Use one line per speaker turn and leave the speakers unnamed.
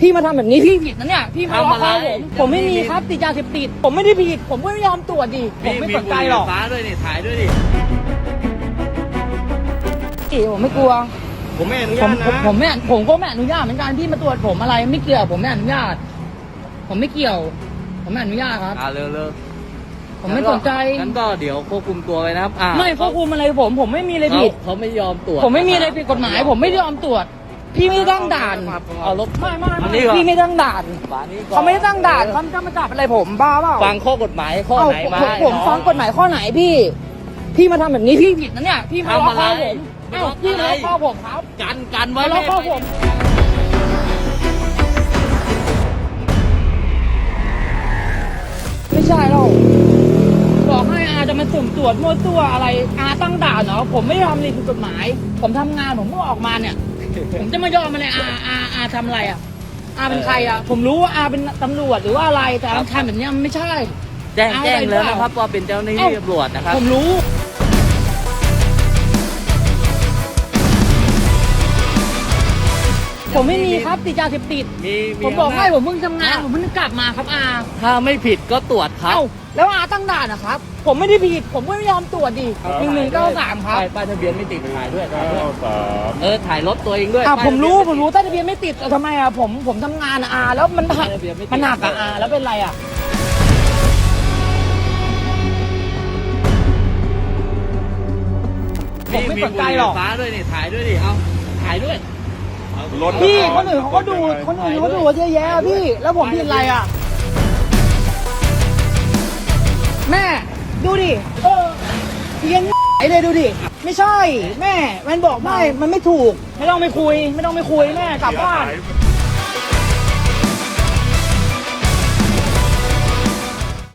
พี่มาทำแบบนี้พี่ผิดนะเนี่ยพี่มาล็อกคอผมไม่มีครับติดยาเสพติดผมไม่ได้ผิดผมก็ไม่ยอมตรวจดิผมไม่สนใจหรอก
ฟ้าด้วยนี่ถ่ายด้วยดิ
ผมไม่กลัว
ผมไม่อนุญาตนะ
ผมก็ไม่อนุญาตเหมือนกันพี่มาตรวจผมอะไรไม่เกี่ยวผมไม่อนุญาตผมไม่เกี่ยวผมไม่อนุญาตครับ
เร็ว
ผมไม่สนใจ
งั้นก็เดี๋ยวควบคุมตัวไว้นะครับ
ไม่ควบคุมอะไรผมไม่มีอะไรผิด
เขาไม่ยอมตรวจ
ผมไม่มีอะไรผิดกฎหมาย ผมไม่ยอมตรวจพี่ไม่ตั้งด่าน
เอารถ
ไม่พี่ไม่ตั้งด่านเขาไม่ได้ตั้งด่านเขาจะมาจับอะไรผมบ้าเปล่า
ฟังข้อกฎหมายข้อไหนมา
ผมฟังกฎหมายข้อไหนพี่มาทำแบบนี้พี่ผิดนะเนี่ยพี่มาล็อกคอผมพี่มาล็อกคอผมครับ
กันไว้
มาล็อกคอผมไม่ใช่หรอกบอกให้อาจะมาสุ่มตรวจมั่วตัวอะไรอาตั้งด่านเหรอผมไม่ได้ทำอะไรผิดกฎหมาย ผมทำงานผมก็ออกมาเนี่ย ผมจะมายอมอะไรอาทำอะไรอาเป็นใครผมรู้ว่าอาเป็นตำรวจหรือว่าอะไรแต่อาทำแบบนี้มันไม่ใช่
แจ้งแล้วนะครับว่าเป็นเจ้าหน้าที่ตำรวจนะครับ
ผมรู้ผมไม่มีครับติดยาเสพติดผมบอกให้ผมเพิ่งทำงานผมเพิ่งกลับมาครับ
ถ้าไม่ผิดก็ตรวจครับ
แล้วตั้งด่านนะครับผมไม่ได้ผิดผมก็ไม่ยอมตรวจดิ1193ครับ
ป้ายทะเบียนไม่ติดถ่ายด้วยถ่ายรถตัวเองด้วย
ผมรู้แต่ทะเบียนไม่ติดทำไมผมทำงานแล้วมันหนักแล้วเป็นไรผมไม่สนใจหรอก
ฟ้าด้วยนี่ถ่ายด้วยดิถ่ายด้วย
พี่คนอื่นเขาก็ดูเยอะแยะพี่แล้วผมผิดอะไรแม่ดูดิเพี้ยนไอ้เลยดูดิไม่ใช่แม่มันบอกไม่มันไม่ถูกไม่ต้องไปคุยแม่กลับบ้าน